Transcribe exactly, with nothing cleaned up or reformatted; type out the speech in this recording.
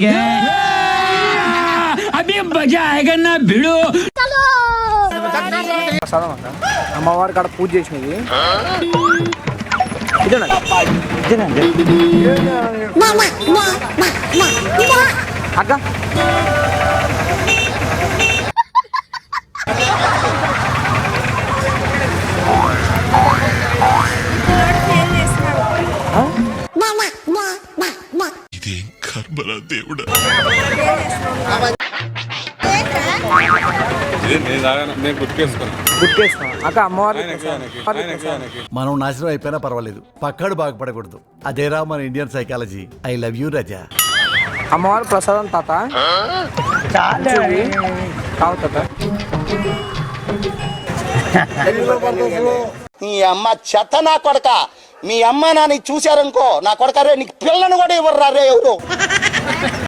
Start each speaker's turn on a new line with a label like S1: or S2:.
S1: अभी मजा आएगा ना भिड़ो.
S2: అమ్మవారి కాడ పూజ చేసినది అక్క
S3: ఇదేం కర్మరా దేవుడా.
S2: అక్క అమ్మవారి
S4: మనం నాశనం అయిపోయినా పర్వాలేదు, పక్కాడు బాగుపడకూడదు. అదేరా మన Indian psychology. I love you Raza.
S2: అమ్మవారి ప్రసాదం తాత తావు తాత.
S5: నీ అమ్మ చెత్త నా కొడక. మీ అమ్మ నాన్న చూశారనుకో నా కొడక రే నీకు పిల్లను కూడా ఇవ్వరు రే ఎవరు.